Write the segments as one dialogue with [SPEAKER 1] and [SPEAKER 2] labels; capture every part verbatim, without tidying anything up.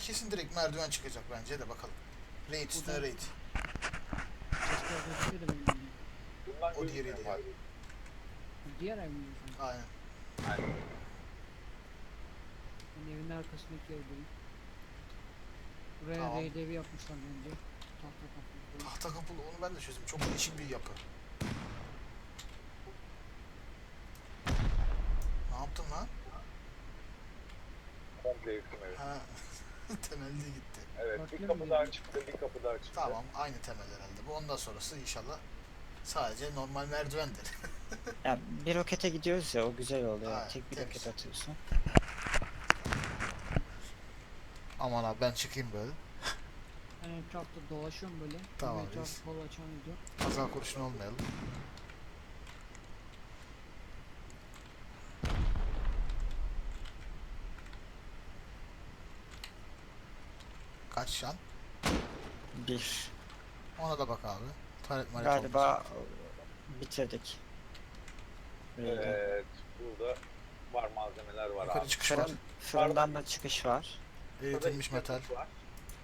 [SPEAKER 1] kesin direkt merdiven çıkacak bence de bakalım. Raid üstüne raid.
[SPEAKER 2] Sesler gözüküyor da benim bildiğim.
[SPEAKER 3] Bundan
[SPEAKER 1] O
[SPEAKER 3] gözükmüyor
[SPEAKER 1] diğeriydi
[SPEAKER 3] abi.
[SPEAKER 2] Diğer ev mi diyorsun?
[SPEAKER 1] Aynen.
[SPEAKER 3] Aynen.
[SPEAKER 2] Ben evin arkasındaki evdeyim. Buraya
[SPEAKER 1] Tamam.
[SPEAKER 2] raid evi yapmışlar bence. Tahta kaplı.
[SPEAKER 1] Tahta kapılı onu ben de çözdüm. Çok değişik bir yapı. Ne yaptın lan?
[SPEAKER 3] Komple yıktım evi.
[SPEAKER 1] Ha. Temelli gitti.
[SPEAKER 3] Evet,
[SPEAKER 2] Farklı
[SPEAKER 3] bir
[SPEAKER 2] mı
[SPEAKER 3] kapı
[SPEAKER 2] geliyor?
[SPEAKER 3] daha çıktı, bir kapı daha çıktı.
[SPEAKER 1] Tamam, aynı temel herhalde. Bu ondan sonrası inşallah sadece normal merdivendir.
[SPEAKER 4] Ya bir rokete gidiyoruz ya, o güzel oluyor.
[SPEAKER 1] Aynen,
[SPEAKER 4] Tek bir
[SPEAKER 1] temiz.
[SPEAKER 4] roket atıyorsun.
[SPEAKER 1] Aman abi ben çıkayım böyle.
[SPEAKER 2] Ben etrafta dolaşıyorum böyle.
[SPEAKER 1] Tamam,
[SPEAKER 2] Bir etrafı
[SPEAKER 1] reis.
[SPEAKER 2] kol açan video.
[SPEAKER 1] Kaza kurşun olmayalım. Kaç şan?
[SPEAKER 4] Bir.
[SPEAKER 1] Ona da bak abi. Taret maret olmasın.
[SPEAKER 4] Galiba bitirdik. Raid'i.
[SPEAKER 3] Evet, burada var malzemeler var
[SPEAKER 1] Yukarı
[SPEAKER 3] abi.
[SPEAKER 1] çıkış var.
[SPEAKER 4] Fırın, fırından da çıkış var.
[SPEAKER 3] Burada
[SPEAKER 1] Eritilmiş
[SPEAKER 3] iki
[SPEAKER 1] metal.
[SPEAKER 3] yapı var.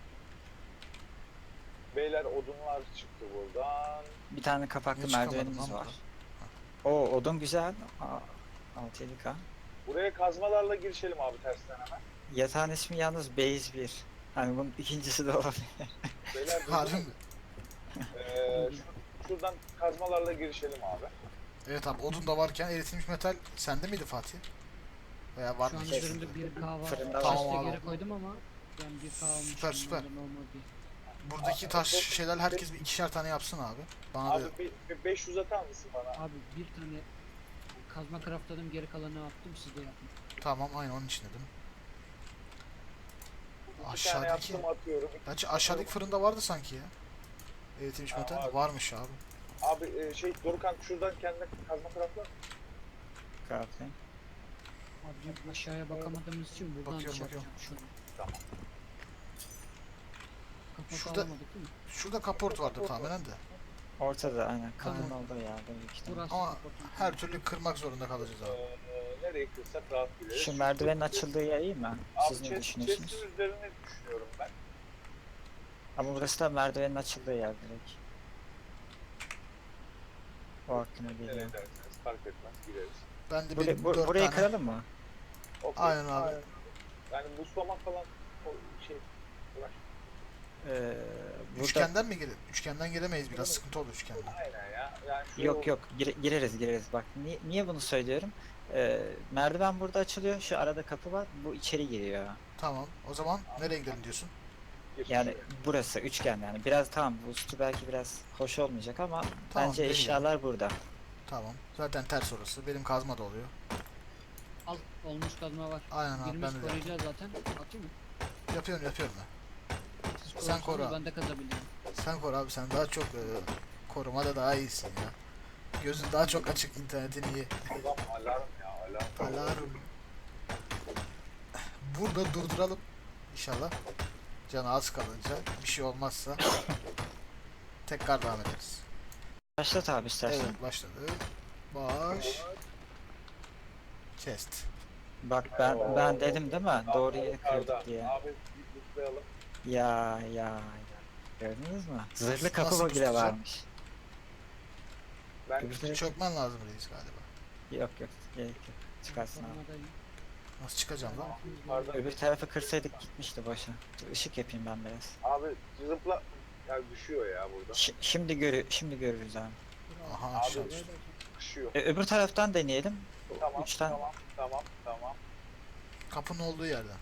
[SPEAKER 3] Beyler odunlar çıktı buradan.
[SPEAKER 4] Bir tane kapaklı
[SPEAKER 1] Niye çıkamadım
[SPEAKER 4] merdivenimiz
[SPEAKER 1] lan
[SPEAKER 4] var.
[SPEAKER 1] buradan?
[SPEAKER 4] O odun güzel. altı yedi K.
[SPEAKER 3] Buraya kazmalarla girişelim abi tersten hemen.
[SPEAKER 4] Yatağın ismi yalnız Base bir. Hani bunun ikincisi de olabilir.
[SPEAKER 3] Beyler
[SPEAKER 1] Harbi
[SPEAKER 3] duydunuz
[SPEAKER 1] mi?
[SPEAKER 3] mu? Ee, şu- şuradan kazmalarla girişelim abi.
[SPEAKER 1] Evet abi odun da varken eritilmiş metal sende miydi Fatih? Veya var
[SPEAKER 2] Şu
[SPEAKER 1] mı?
[SPEAKER 2] an
[SPEAKER 1] hiç?
[SPEAKER 2] üzerinde bir K var.
[SPEAKER 4] Fırında
[SPEAKER 1] Tamam
[SPEAKER 2] Chest'e
[SPEAKER 1] abi.
[SPEAKER 2] geri koydum ama yani bir K olmuş.
[SPEAKER 1] Süper, süper.
[SPEAKER 2] normalde normal değil.
[SPEAKER 1] Buradaki taş şeyler herkes bir ikişer tane yapsın abi. Bana da
[SPEAKER 3] Abi bir, bir beş yüz atar mısın bana?
[SPEAKER 2] Abi bir tane kazma craftladım, geri kalanını attım, siz de yapın.
[SPEAKER 1] tamam aynı onun için dedim.
[SPEAKER 3] İki tane
[SPEAKER 1] Aşağıdaki
[SPEAKER 3] yaptım atıyorum.
[SPEAKER 1] Gerçi aşağıdaki fırında vardı sanki ya. Eritilmiş
[SPEAKER 3] Ha,
[SPEAKER 1] metal
[SPEAKER 3] var.
[SPEAKER 1] varmış abi.
[SPEAKER 3] Abi e, şey Dorukan şuradan kendine kazma taraflar.
[SPEAKER 4] Crafting.
[SPEAKER 2] Abi aşağıya bakamadığımız için buradan
[SPEAKER 1] Bakıyorum,
[SPEAKER 2] şey
[SPEAKER 1] bakıyorum.
[SPEAKER 2] yapacağım şunu.
[SPEAKER 3] Tamam.
[SPEAKER 2] Kapak
[SPEAKER 1] Şurada-
[SPEAKER 2] alamadık değil mi?
[SPEAKER 1] Şurada kaport vardı tahminen de.
[SPEAKER 4] Ortada aynen. Kapının
[SPEAKER 2] Tamam.
[SPEAKER 4] olduğu yerde büyük ihtimal.
[SPEAKER 2] Burası
[SPEAKER 1] Ama
[SPEAKER 2] kaportun.
[SPEAKER 1] her türlü kırmak zorunda kalacağız abi.
[SPEAKER 3] Ee, nereye kırsak rahat gideriz.
[SPEAKER 4] Şu merdivenin açıldığı yer iyi mi? Siz
[SPEAKER 3] Abi
[SPEAKER 4] ne
[SPEAKER 3] chest,
[SPEAKER 4] düşünüyorsunuz?
[SPEAKER 3] chest'in üzerine düşünüyorum ben.
[SPEAKER 4] Ama burası da merdivenin açıldığı yer direkt. O aklıma geliyor.
[SPEAKER 3] Nereye derseniz fark etmez gireriz.
[SPEAKER 1] Ben de
[SPEAKER 4] Burayı,
[SPEAKER 1] benim
[SPEAKER 4] bu-
[SPEAKER 1] dört
[SPEAKER 4] burayı
[SPEAKER 1] tane.
[SPEAKER 4] kıralım mı?
[SPEAKER 3] Okay.
[SPEAKER 1] Aynen abi.
[SPEAKER 3] Yani buslamak falan o şey uğraş.
[SPEAKER 4] Ee, burada...
[SPEAKER 1] Üçgenden mi girelim? Üçgenden giremeyiz biraz sıkıntı olur üçgenden.
[SPEAKER 3] Aynen ya. Yani şu
[SPEAKER 4] Yok yok gire- gireriz gireriz bak niye, niye bunu söylüyorum, Ee, merdiven burada açılıyor, şu arada kapı var, bu içeri giriyor,
[SPEAKER 1] Tamam o zaman nereye gidelim diyorsun?
[SPEAKER 3] gir.
[SPEAKER 4] yani burası üçgen, yani biraz tamam bu üstü belki biraz hoş olmayacak ama
[SPEAKER 1] Tamam,
[SPEAKER 4] bence
[SPEAKER 1] deneyelim.
[SPEAKER 4] eşyalar burada.
[SPEAKER 1] Tamam. Zaten ters orası. Benim kazma da oluyor.
[SPEAKER 2] Al, olmuş kazma var.
[SPEAKER 1] Aynen abi
[SPEAKER 2] Birimiz
[SPEAKER 1] ben de
[SPEAKER 2] koruyacağız zaten. Atayım mı?
[SPEAKER 1] yapıyorum yapıyorum ben.
[SPEAKER 2] Siz
[SPEAKER 1] Sen
[SPEAKER 2] korursanız
[SPEAKER 1] koru abi.
[SPEAKER 2] ben de kazabilirim.
[SPEAKER 1] Sen koru abi sen daha çok e, korumada daha iyisin ya. Gözün daha çok açık, internetin iyi.
[SPEAKER 3] Adam alarm ya alarm.
[SPEAKER 1] Alarm. Burada durduralım. İnşallah. Canı az kalınca bir şey olmazsa tekrar devam ederiz.
[SPEAKER 4] Başlat abi istersen.
[SPEAKER 1] Evet başladı. Baş. Chest.
[SPEAKER 4] Bak ben ben dedim değil mi, doğru yere
[SPEAKER 3] Yukarıda.
[SPEAKER 4] kırdık diye.
[SPEAKER 3] Abi bir buslayalım.
[SPEAKER 4] Ya ya ya. Gördünüz mü? Zırhlı kapı
[SPEAKER 1] Nasıl
[SPEAKER 4] bile
[SPEAKER 1] tutacağım?
[SPEAKER 4] varmış.
[SPEAKER 3] Ben
[SPEAKER 4] Öbür taraf-
[SPEAKER 1] Çökmen lazım reis galiba.
[SPEAKER 4] Yok yok gerek yok. Çıkarsın abi.
[SPEAKER 2] Korumadayım.
[SPEAKER 1] Nasıl çıkacağım lan?
[SPEAKER 3] yukarıda.
[SPEAKER 4] Öbür tarafı kırsaydık gitmişti boşa. Dur, ışık yapayım ben biraz.
[SPEAKER 3] Abi zıpla. Ya düşüyor ya burada.
[SPEAKER 4] Ş- şimdi görü şimdi görürüz abi.
[SPEAKER 1] Aha
[SPEAKER 3] Abi,
[SPEAKER 1] aşağı düştü.
[SPEAKER 3] Düşüyor.
[SPEAKER 4] E, öbür taraftan deneyelim.
[SPEAKER 3] Tamam
[SPEAKER 4] Uçtan
[SPEAKER 3] tamam tamam tamam.
[SPEAKER 1] Kapının olduğu yerden.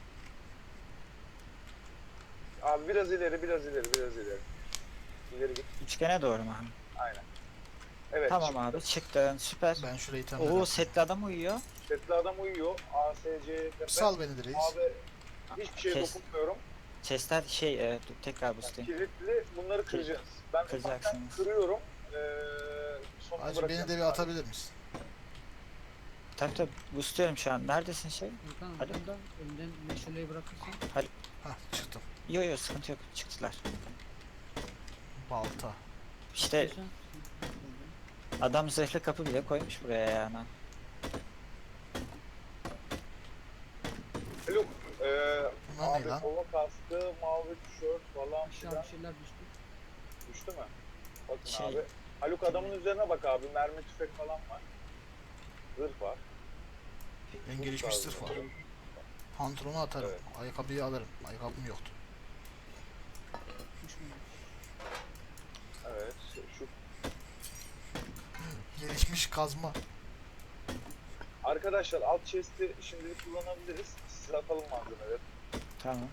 [SPEAKER 3] Abi biraz ileri biraz ileri biraz ileri. İleri git.
[SPEAKER 4] üçgene doğru mu?
[SPEAKER 3] Aynen. Evet.
[SPEAKER 4] Tamam
[SPEAKER 3] çıktı.
[SPEAKER 4] abi çıktın, süper.
[SPEAKER 1] Ben şurayı
[SPEAKER 4] Oo
[SPEAKER 1] temizledim.
[SPEAKER 4] setli adam uyuyor.
[SPEAKER 3] Setli adam uyuyor. A S C tepe.
[SPEAKER 1] Sal beni de reis.
[SPEAKER 3] Abi hiçbir şeye
[SPEAKER 4] Kes.
[SPEAKER 3] dokunmuyorum.
[SPEAKER 4] Chestler şey e, dur, tekrar boostlayayım.
[SPEAKER 3] Kilitli bunları kıracağız. Ben ufaktan
[SPEAKER 4] Kıracaksınız.
[SPEAKER 3] kırıyorum. Ee, sonra
[SPEAKER 1] Hacı beni de bir atabilir misin?
[SPEAKER 4] Tabii tabii boostluyorum şu an. Neredesin şey?
[SPEAKER 2] Furkan
[SPEAKER 4] Hadi.
[SPEAKER 2] burada önden meşaleyi bırakırsan.
[SPEAKER 1] Hah çıktım.
[SPEAKER 4] Yo yo sıkıntı yok, çıktılar.
[SPEAKER 1] Balta.
[SPEAKER 4] İşte
[SPEAKER 2] istiyorsan-
[SPEAKER 4] adam zırhlı kapı bile koymuş buraya yani.
[SPEAKER 3] Haluk, ee,
[SPEAKER 1] Bunlar O ne
[SPEAKER 3] Abi
[SPEAKER 1] lan?
[SPEAKER 3] kova kaskı, mavi tişört falan
[SPEAKER 2] Aşağı
[SPEAKER 3] filan
[SPEAKER 2] bir şeyler düştü.
[SPEAKER 3] düştü mü? Bakın
[SPEAKER 4] Şey-
[SPEAKER 3] abi. Haluk adamın üzerine bak abi. Mermi tüfek falan var. Zırh var.
[SPEAKER 1] En gelişmiş sırf var. Pantolonu atarım.
[SPEAKER 3] Evet.
[SPEAKER 1] Ayakkabıyı alırım. Ayakkabım yoktu.
[SPEAKER 2] Düşmüyor.
[SPEAKER 3] Evet. Şu
[SPEAKER 1] Gelişmiş kazma.
[SPEAKER 3] arkadaşlar alt chest'i şimdilik kullanabiliriz. Size atalım malzemeleri.
[SPEAKER 4] Tamam.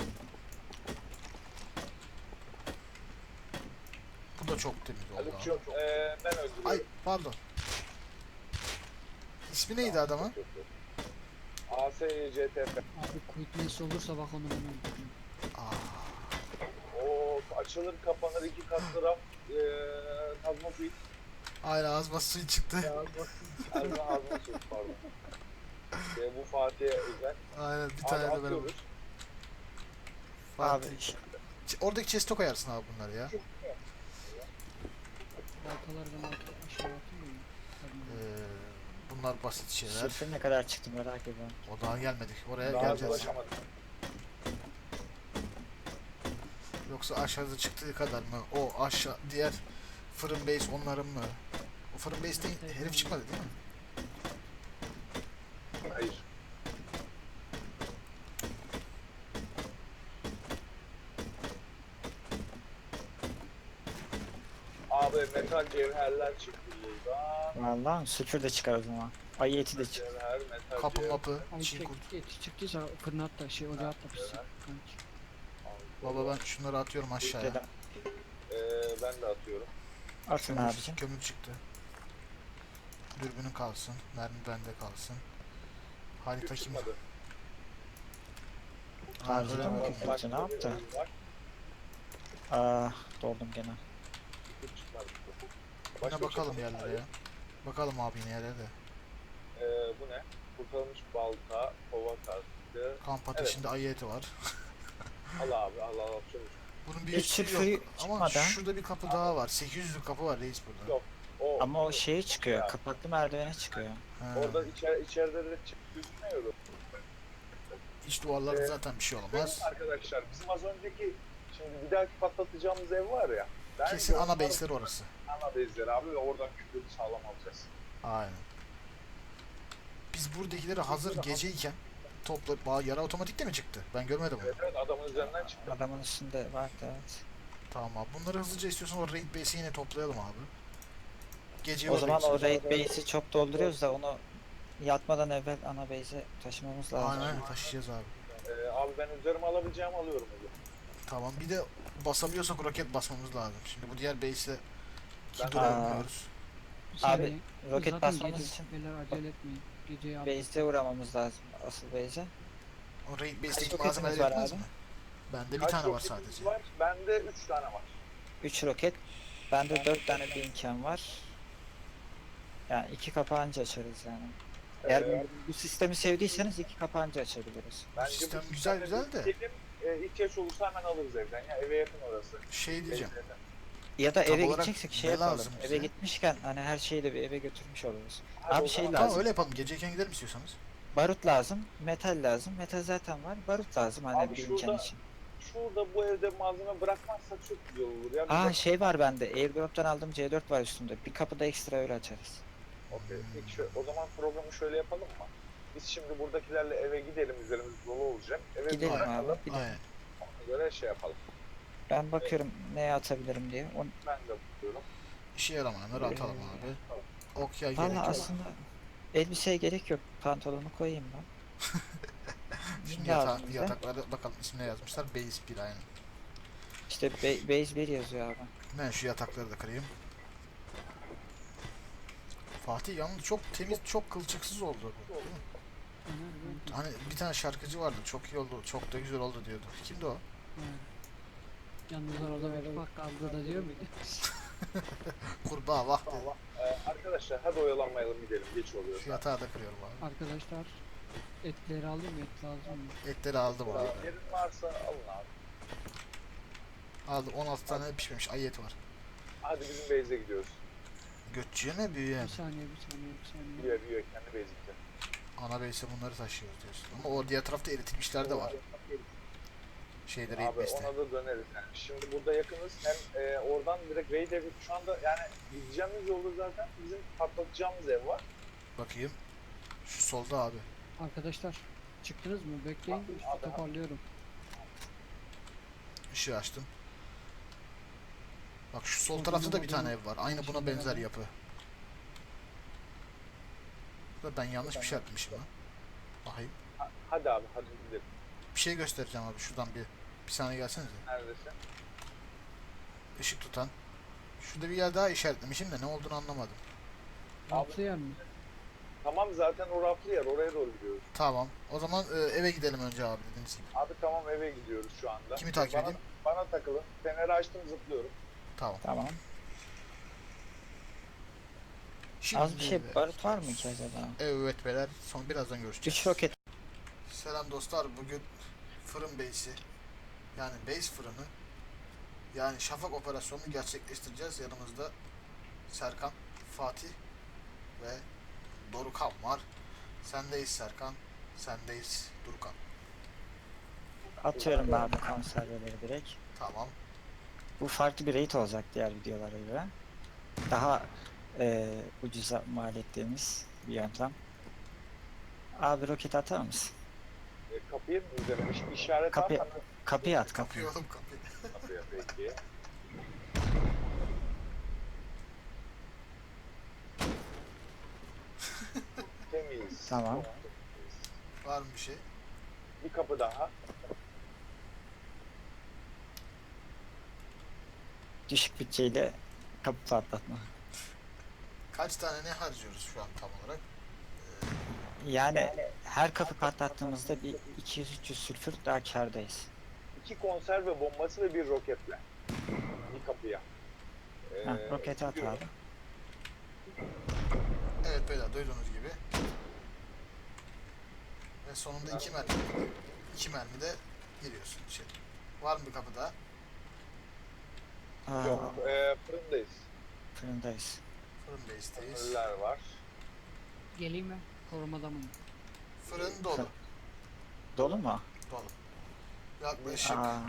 [SPEAKER 1] Bu da çok temiz oldu abi.
[SPEAKER 3] Haluk'cum eee ben öldürüyorum.
[SPEAKER 1] Ay pardon. İsmi neydi adamın?
[SPEAKER 3] A S C T F.
[SPEAKER 2] Abi quickness olursa bak onu ben öldürürüm.
[SPEAKER 1] Aa,
[SPEAKER 3] O açılır kapanır iki katlı raf. Eee kazma suyu.
[SPEAKER 1] aynen ağzıma suyu çıktı.
[SPEAKER 3] Ağzına ağzına suyu pardon. Eee, bu Fatih'e özel.
[SPEAKER 1] Aynen bir
[SPEAKER 3] Abi
[SPEAKER 1] tane de ben.
[SPEAKER 3] atıyoruz.
[SPEAKER 1] Fatih.
[SPEAKER 4] Abi ş-
[SPEAKER 1] Ç- Oradaki chest'e koyarsın abi bunları ya.
[SPEAKER 2] Baltaları ben alt- aşağı atayım mı?
[SPEAKER 1] Ee, bunlar basit şeyler.
[SPEAKER 4] sürfe ne kadar çıktı merak ediyorum.
[SPEAKER 1] O daha gelmedik. Oraya
[SPEAKER 3] Daha
[SPEAKER 1] geleceğiz.
[SPEAKER 3] ulaşamadık.
[SPEAKER 1] Yoksa aşağıda çıktığı kadar mı? O aşağı diğer fırın base onların mı? O fırın base'te herif çıkmadı değil mi?
[SPEAKER 3] Hayır. Abi metal cevherler çıktı buradan.
[SPEAKER 4] Vallahi sülfür de çıkar o zaman. Ayı eti de çık.
[SPEAKER 3] Cevher, metal
[SPEAKER 1] Kapı
[SPEAKER 3] cevher.
[SPEAKER 1] mapı,
[SPEAKER 2] Ay
[SPEAKER 1] çin
[SPEAKER 2] çek,
[SPEAKER 1] kurt.
[SPEAKER 2] eti çıktıysa fırına at da şey ocağa at da pişsin. Kanki.
[SPEAKER 1] Baba ben şunları atıyorum aşağıya.
[SPEAKER 4] Dedem.
[SPEAKER 3] Ee, ben de atıyorum.
[SPEAKER 4] Atın
[SPEAKER 1] Kömür,
[SPEAKER 4] abicim.
[SPEAKER 1] kömür çıktı. Dürbünün kalsın. Mermi bende kalsın. Harita
[SPEAKER 3] Güç
[SPEAKER 1] kim?
[SPEAKER 3] çıkmadı.
[SPEAKER 1] Ha,
[SPEAKER 4] Harita
[SPEAKER 1] öyle
[SPEAKER 4] mı?
[SPEAKER 1] mi?
[SPEAKER 4] Bakın,
[SPEAKER 3] Başka
[SPEAKER 4] ne
[SPEAKER 3] bir
[SPEAKER 4] yaptı?
[SPEAKER 3] oyun var.
[SPEAKER 4] Aa, doldum gene.
[SPEAKER 3] Güç çıkmadı.
[SPEAKER 1] Yine
[SPEAKER 3] Başka bir
[SPEAKER 1] bakalım
[SPEAKER 3] şey var mı?
[SPEAKER 1] yerlere ya. Bakalım abi yine yerlere de.
[SPEAKER 3] Ee, bu ne? Kurtarılmış balta, kova kaskı.
[SPEAKER 1] Kamp ateşinde ayı eti var.
[SPEAKER 3] Al abi al al al çabuk.
[SPEAKER 1] Bunun bir
[SPEAKER 4] Hiç
[SPEAKER 1] üstü
[SPEAKER 4] sülfürü
[SPEAKER 1] yok. Ama
[SPEAKER 4] çıkmadan-
[SPEAKER 1] şurada bir kapı daha var. sekiz yüzlük kapı var reis burada.
[SPEAKER 3] Yok. O,
[SPEAKER 4] Ama o şeye çıkıyor.
[SPEAKER 3] Ya.
[SPEAKER 4] Kapaklı merdivene çıkıyor.
[SPEAKER 1] Ha,
[SPEAKER 3] Orada içer, içeride de çık gözükmüyor.
[SPEAKER 1] iç duvarlarda
[SPEAKER 3] Ee,
[SPEAKER 1] zaten bir şey
[SPEAKER 3] Benim
[SPEAKER 1] olmaz.
[SPEAKER 3] arkadaşlar bizim az önceki şimdi bir dahaki patlatacağımız ev var ya. bence
[SPEAKER 1] Kesin ana
[SPEAKER 3] onlar
[SPEAKER 1] base'leri orası.
[SPEAKER 3] Ana base'leri abi ve oradan kütlü sağlam alacağız.
[SPEAKER 1] Aynen. Biz buradakileri hazır geceyken topla Ba- yara otomatik de mi çıktı? Ben görmedim onu.
[SPEAKER 3] Evet evet adamın üzerinden çıktı.
[SPEAKER 4] Adamın üstünde vardı evet.
[SPEAKER 1] Tamam abi. Bunları hızlıca istiyorsan o raid base'i yine toplayalım abi. Gece
[SPEAKER 4] O zaman
[SPEAKER 1] base-
[SPEAKER 4] o raid base'i çok dolduruyoruz da onu yatmadan evvel ana base'e taşımamız lazım.
[SPEAKER 1] Aynen aynen, taşıyacağız abi.
[SPEAKER 3] Ee, abi ben üzerime alabileceğimi alıyorum o zaman.
[SPEAKER 1] Tamam bir de basabiliyorsak roket basmamız lazım. Şimdi bu diğer base'e
[SPEAKER 3] Ben-
[SPEAKER 1] ki duramıyoruz.
[SPEAKER 4] Abi,
[SPEAKER 2] Seni-
[SPEAKER 4] roket
[SPEAKER 2] zaten
[SPEAKER 4] basmamız
[SPEAKER 2] gece-
[SPEAKER 4] için
[SPEAKER 2] Beyler acele etmeyin. Geceyi al.
[SPEAKER 4] base'e uğramamız lazım asıl base'e.
[SPEAKER 1] O raid
[SPEAKER 4] Kaç
[SPEAKER 1] base'teki
[SPEAKER 4] roketimiz
[SPEAKER 1] malzemeleri
[SPEAKER 4] var
[SPEAKER 1] yetmez
[SPEAKER 4] abi?
[SPEAKER 1] mi? Bende bir
[SPEAKER 3] Kaç
[SPEAKER 1] tane var
[SPEAKER 3] roketimiz
[SPEAKER 1] sadece.
[SPEAKER 3] Var? Bende üç tane var.
[SPEAKER 4] üç roket. Bende dört tane binken var. Yani iki kapağınca açarız yani. Eğer
[SPEAKER 3] Ee,
[SPEAKER 4] bu, bu sistemi sevdiyseniz iki kapağınca açabiliriz.
[SPEAKER 3] bence
[SPEAKER 1] sistem
[SPEAKER 3] bu
[SPEAKER 1] güzel,
[SPEAKER 3] sistemde
[SPEAKER 1] güzel de.
[SPEAKER 3] bir Diyelim, e, ihtiyaç olursa hemen alırız evden ya eve yakın orası.
[SPEAKER 1] Şey diyeceğim.
[SPEAKER 3] Base'den.
[SPEAKER 4] Ya da
[SPEAKER 1] Tam
[SPEAKER 4] eve
[SPEAKER 1] olarak
[SPEAKER 4] gideceksek şey
[SPEAKER 1] ne
[SPEAKER 4] yapalım.
[SPEAKER 1] lazım
[SPEAKER 4] Eve
[SPEAKER 1] bize?
[SPEAKER 4] gitmişken hani her şeyi de bir eve götürmüş oluruz.
[SPEAKER 3] Hadi
[SPEAKER 4] Abi
[SPEAKER 3] o
[SPEAKER 4] şey
[SPEAKER 3] zaman-
[SPEAKER 4] lazım.
[SPEAKER 1] Tamam öyle yapalım. Geceyken gidelim istiyorsanız.
[SPEAKER 4] Barut lazım, metal lazım. Metal zaten var. Barut lazım hani
[SPEAKER 3] Abi
[SPEAKER 4] bir imkan
[SPEAKER 3] şurada-
[SPEAKER 4] için.
[SPEAKER 3] Şurada bu evde malzeme bırakmazsak çok güzel olur ya.
[SPEAKER 4] Aa
[SPEAKER 3] Bize-
[SPEAKER 4] şey var bende. Airdrop'tan aldığım C dört var üstümde. Bir kapıda ekstra öyle açarız.
[SPEAKER 3] Okey. Peki şu- o zaman programı şöyle yapalım mı? Biz şimdi buradakilerle eve gidelim, üzerimiz dolu olacak. Eve
[SPEAKER 4] Gidelim
[SPEAKER 3] bırakalım,
[SPEAKER 4] abi. Bir de
[SPEAKER 1] Aynen.
[SPEAKER 3] ona göre şey yapalım.
[SPEAKER 4] ben bakıyorum neye atabilirim diye. O,
[SPEAKER 3] Ben de bakıyorum.
[SPEAKER 1] İşe yaramayanları atalım
[SPEAKER 4] Ee,
[SPEAKER 1] abi. Ok yay gerek
[SPEAKER 4] valla
[SPEAKER 1] yok.
[SPEAKER 4] aslında elbiseye gerek yok. Pantolonu koyayım ben.
[SPEAKER 1] Şimdi
[SPEAKER 4] lazım
[SPEAKER 1] yata
[SPEAKER 4] bize?
[SPEAKER 1] yataklara bakalım ismine yazmışlar. Base bir aynen.
[SPEAKER 4] İşte be- base bir yazıyor abi.
[SPEAKER 1] Ben şu yatakları da kırayım. Fatih yalnız çok temiz, çok kılçıksız oldu. bu, değil mi?
[SPEAKER 2] Öner,
[SPEAKER 1] Hani bir tane şarkıcı vardı. Çok iyi oldu, çok da güzel oldu diyordu. Kimdi o?
[SPEAKER 2] evet. Yalnız orada bir bak kaldı da diyor muydu?
[SPEAKER 1] Kurbağa vah dedi.
[SPEAKER 3] Tamam. Ee, arkadaşlar hadi oyalanmayalım gidelim. Geç oluyor.
[SPEAKER 1] Şu yatağı da kırıyorum abi.
[SPEAKER 2] Arkadaşlar etleri aldım mı? Et lazım mı?
[SPEAKER 1] Etleri aldım abi.
[SPEAKER 3] Yerin varsa alın abi.
[SPEAKER 1] Aldı on altı tane pişmemiş ayı eti var.
[SPEAKER 3] Hadi bizim base'e gidiyoruz.
[SPEAKER 1] Götçüye mi büyüye mi?
[SPEAKER 2] Bir saniye bir saniye bir saniye.
[SPEAKER 3] Büyüyor büyüyor kendi base'e.
[SPEAKER 1] Ana base'e bunları taşıyoruz diyorsun. Ama o diğer tarafta eritilmişler de var. Şeyde raid
[SPEAKER 3] Abi
[SPEAKER 1] base'te.
[SPEAKER 3] ona da döneriz yani. Şimdi burada yakınız. Hem e, oradan direkt raid evi şu anda yani gideceğimiz yolda zaten bizim patlatacağımız ev var.
[SPEAKER 1] Bakayım. Şu solda abi.
[SPEAKER 2] Arkadaşlar çıktınız mı? Bekleyin.
[SPEAKER 3] Abi,
[SPEAKER 2] Üstü
[SPEAKER 3] abi.
[SPEAKER 2] toparlıyorum.
[SPEAKER 1] Işığı açtım. Bak şu sol
[SPEAKER 2] Solda
[SPEAKER 1] tarafta da bir
[SPEAKER 2] modern-
[SPEAKER 1] tane ev var. Aynı buna
[SPEAKER 2] Şimdi
[SPEAKER 1] benzer
[SPEAKER 2] beraber.
[SPEAKER 1] yapı. Da ben yanlış bir şey yapmışım lan. Bakayım.
[SPEAKER 3] Ha- Hadi abi hadi gidelim.
[SPEAKER 1] Bir şey göstereceğim abi. Şuradan bir bir saniye gelsenize.
[SPEAKER 3] Neredesin?
[SPEAKER 1] Işık tutan. Şurada bir yer daha işaretlemişim de ne olduğunu anlamadım.
[SPEAKER 2] Altı yer mi?
[SPEAKER 3] Tamam zaten o raflı yer oraya doğru gidiyoruz.
[SPEAKER 1] Tamam. O zaman e, eve gidelim önce abi dediğiniz gibi.
[SPEAKER 3] Abi tamam eve gidiyoruz şu anda.
[SPEAKER 1] Kimi takip
[SPEAKER 3] bana,
[SPEAKER 1] edeyim?
[SPEAKER 3] Bana takılın. Feneri açtım zıplıyorum.
[SPEAKER 1] Tamam.
[SPEAKER 4] Tamam.
[SPEAKER 1] Şimdi
[SPEAKER 4] Az bir şey barut var mı ki acaba?
[SPEAKER 1] Evet beyler. Son birazdan görüşeceğiz.
[SPEAKER 4] üç roket.
[SPEAKER 1] Selam dostlar. Bugün fırın base'i yani base fırını yani şafak operasyonunu gerçekleştireceğiz. Yanımızda Serkan, Fatih ve Dorukan var. Sendeyiz Serkan. Sendeyiz Dorukan.
[SPEAKER 4] Atıyorum abi konserveleri direkt.
[SPEAKER 1] Tamam.
[SPEAKER 4] Bu farklı bir rate olacak diğer videolara göre. Daha e, ucuza mal ettiğimiz bir yöntem. Abi roket atar mısın?
[SPEAKER 3] E, kapıyı mı üzerine İş- işaret
[SPEAKER 4] Kapıyı-
[SPEAKER 3] at.
[SPEAKER 4] Kapıyı at
[SPEAKER 1] Kapıyı
[SPEAKER 4] kapıyı.
[SPEAKER 1] oğlum kapıyı.
[SPEAKER 3] Kapıya peki. Temiz.
[SPEAKER 4] Tamam.
[SPEAKER 3] Çok temiz.
[SPEAKER 1] Var mı bir şey?
[SPEAKER 3] Bir kapı daha.
[SPEAKER 4] Düşük bütçeyle kapı patlatma.
[SPEAKER 1] Kaç tane ne harcıyoruz şu an tam olarak?
[SPEAKER 4] Yani her kapı patlattığımızda bir iki yüz üç yüz sülfür daha kârdayız.
[SPEAKER 3] İki konserve bombası ve bir roketle. Bir kapıya. Ee,
[SPEAKER 4] Ha, roketi at
[SPEAKER 3] gidiyorum.
[SPEAKER 4] abi.
[SPEAKER 1] Evet beyler duyduğunuz gibi. Ve sonunda iki mermi. iki mermi de giriyorsun içeri. Var mı bir kapı daha?
[SPEAKER 4] Aa,
[SPEAKER 3] Yok, e, fırındayız.
[SPEAKER 4] fırındayız.
[SPEAKER 1] Fırın base'teyiz.
[SPEAKER 3] Fırınlar var.
[SPEAKER 2] Geleyim mi? Korumada mı?
[SPEAKER 1] Fırın dolu.
[SPEAKER 4] Dolu mu?
[SPEAKER 1] Dolu. Yaklaşık
[SPEAKER 4] Aa,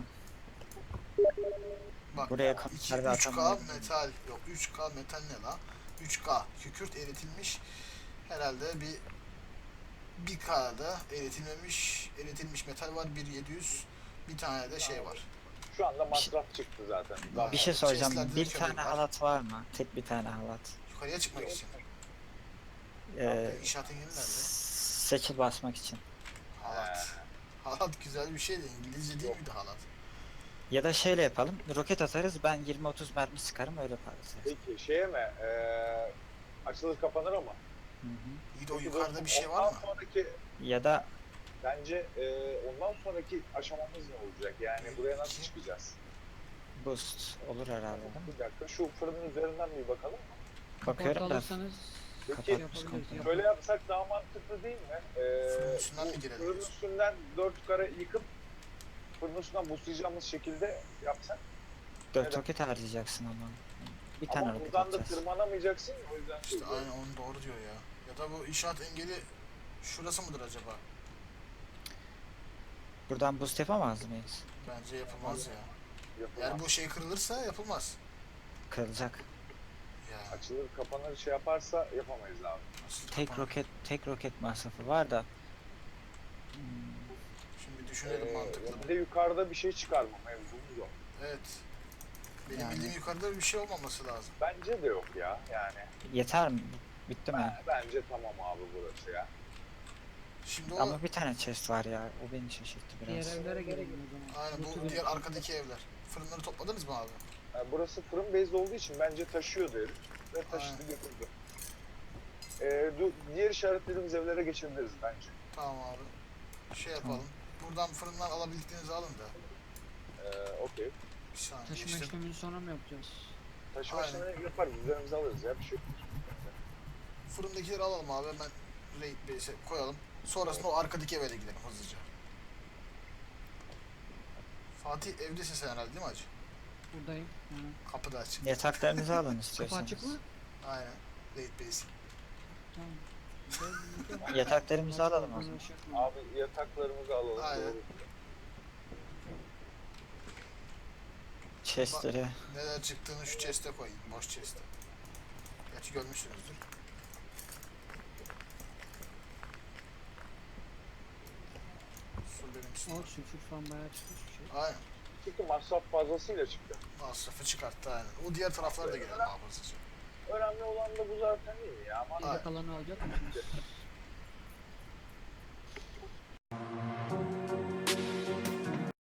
[SPEAKER 1] bak
[SPEAKER 4] buraya
[SPEAKER 1] iki,
[SPEAKER 4] konserve
[SPEAKER 1] üç K
[SPEAKER 4] atamayız.
[SPEAKER 1] metal yok üç K metal ne la? üç K kükürt eritilmiş herhalde bir bir K'da eritilmemiş eritilmiş metal var bir yedi yüz bir tane de şey var.
[SPEAKER 3] Şu anda masraf çıktı zaten.
[SPEAKER 1] Daha-
[SPEAKER 4] bir şey soracağım.
[SPEAKER 1] Chest'lerde
[SPEAKER 4] Bir
[SPEAKER 1] de
[SPEAKER 4] tane
[SPEAKER 1] kömür var.
[SPEAKER 4] halat var mı? Tek bir tane halat.
[SPEAKER 1] Yukarıya çıkmak için.
[SPEAKER 4] Ee,
[SPEAKER 1] İnşaat engeli nerede?
[SPEAKER 4] seçil basmak için.
[SPEAKER 1] Halat. Halat güzel bir şey de İngilizce değil
[SPEAKER 3] Yok.
[SPEAKER 1] miydi halat?
[SPEAKER 4] Ya da şöyle yapalım. Roket atarız. Ben yirmi otuz mermi sıkarım öyle yaparız.
[SPEAKER 3] Peki şeye mi? E, açılır kapanır ama.
[SPEAKER 4] Hı hı.
[SPEAKER 1] İyi de o
[SPEAKER 3] Peki
[SPEAKER 1] yukarıda bir şey
[SPEAKER 3] ondan
[SPEAKER 1] var mı?
[SPEAKER 3] Sonraki,
[SPEAKER 4] Ya da
[SPEAKER 3] bence e, ondan sonraki aşamamız ne olacak? Yani buraya nasıl
[SPEAKER 1] İki.
[SPEAKER 3] çıkacağız?
[SPEAKER 4] boost olur herhalde değil mi?
[SPEAKER 3] Bir dakika şu fırının üzerinden bir bakalım.
[SPEAKER 4] Bakıyorum da
[SPEAKER 2] alırsanız
[SPEAKER 3] Peki
[SPEAKER 2] şey yapabiliriz.
[SPEAKER 4] Kapatmış
[SPEAKER 2] ya.
[SPEAKER 3] böyle yapsak daha mantıklı değil mi? Ee,
[SPEAKER 1] Fırının üstünden mi
[SPEAKER 3] bu
[SPEAKER 1] girelim
[SPEAKER 3] Fırının
[SPEAKER 1] diyorsun?
[SPEAKER 3] üstünden dört yukarı yıkıp fırının üstünden buslayacağımız şekilde yapsak.
[SPEAKER 4] dört
[SPEAKER 3] Evet.
[SPEAKER 4] roket harcayacaksın ama. Bir tane
[SPEAKER 3] Ama
[SPEAKER 4] roket
[SPEAKER 3] buradan da
[SPEAKER 4] atacağız.
[SPEAKER 3] tırmanamayacaksın. O yüzden
[SPEAKER 1] İşte
[SPEAKER 3] söylüyorum.
[SPEAKER 1] aynen onu doğru diyor ya. Ya da bu inşaat engeli şurası mıdır acaba?
[SPEAKER 4] Buradan boost yapamaz mıyız?
[SPEAKER 1] Bence yapılmaz ya.
[SPEAKER 3] Yapılan
[SPEAKER 1] Yani bu şey kırılırsa yapılmaz.
[SPEAKER 4] Kırılacak.
[SPEAKER 1] Ya
[SPEAKER 3] açılır kapanır şey yaparsa yapamayız abi.
[SPEAKER 1] nasıl
[SPEAKER 4] Tek
[SPEAKER 1] kapanır?
[SPEAKER 4] roket tek roket masrafı var da. Hmm,
[SPEAKER 1] Şimdi düşünelim
[SPEAKER 3] Ee,
[SPEAKER 1] mantıklı.
[SPEAKER 3] bir de yukarıda bir şey çıkarma mevzumuz o.
[SPEAKER 1] Evet. Benim
[SPEAKER 4] Yani-
[SPEAKER 1] bildiğim yukarıda bir şey olmaması lazım.
[SPEAKER 3] Bence de yok ya yani.
[SPEAKER 4] yeter mi? Bitti mi?
[SPEAKER 3] Ben- bence tamam abi burası ya.
[SPEAKER 1] Şimdi o
[SPEAKER 4] Ama bir tane chest var ya. O beni şaşırttı
[SPEAKER 2] Diğer
[SPEAKER 4] biraz.
[SPEAKER 2] evlere gelelim o zaman.
[SPEAKER 1] aynen
[SPEAKER 2] Lütfü
[SPEAKER 1] bu
[SPEAKER 2] verin.
[SPEAKER 1] diğer arkadaki evler. Fırınları topladınız mı abi?
[SPEAKER 3] Yani burası fırın bezli olduğu için bence taşıyordu herif. Ve taşıdı
[SPEAKER 1] Aynen.
[SPEAKER 3] götürdü. Ee, du- diğer işaretlediğimiz evlere geçebiliriz bence.
[SPEAKER 1] Tamam abi. Şey yapalım. Buradan fırından alabildiklerinizi alın da.
[SPEAKER 3] Ee, Okey.
[SPEAKER 1] Bir saniye
[SPEAKER 2] Taşıma
[SPEAKER 1] işte.
[SPEAKER 2] işlemini sonra mı yapacağız?
[SPEAKER 3] Taşıma
[SPEAKER 1] Aynen.
[SPEAKER 3] işlemini yaparız. Üzerimize alırız ya bir şey. yok.
[SPEAKER 1] Fırındakileri alalım abi hemen raid base'e koyalım. Sonrasında o arkadaki eve de gidelim hızlıca. Fatih evdesin sen herhalde değil mi hacı?
[SPEAKER 2] Buradayım. Hı.
[SPEAKER 1] Kapı da açık.
[SPEAKER 4] Yataklarınızı alın
[SPEAKER 2] Kapı
[SPEAKER 4] istiyorsanız.
[SPEAKER 2] açık mı?
[SPEAKER 1] Aynen. Raid base.
[SPEAKER 2] Tamam.
[SPEAKER 4] Yataklarımızı alalım o
[SPEAKER 2] Bana
[SPEAKER 4] zaman.
[SPEAKER 2] şey yapma.
[SPEAKER 3] Abi yataklarımızı alalım.
[SPEAKER 1] Aynen.
[SPEAKER 3] Doğru.
[SPEAKER 4] chestleri.
[SPEAKER 1] Neler çıktığını şu chest'e koyayım. Boş chest'e. Gerçi görmüşsünüzdür. Su benim üstüme.
[SPEAKER 2] O sülfür falan bayağı çıkmış bir şey.
[SPEAKER 1] Aynen.
[SPEAKER 3] Çünkü masraf fazlasıyla çıktı.
[SPEAKER 1] Masrafı çıkarttı aynen. O diğer taraflara da girelim hafızlıca.
[SPEAKER 3] Önemli olan da bu zaten değil ya. Ama
[SPEAKER 1] Aynen.
[SPEAKER 2] Geri kalanı alacak mısınız?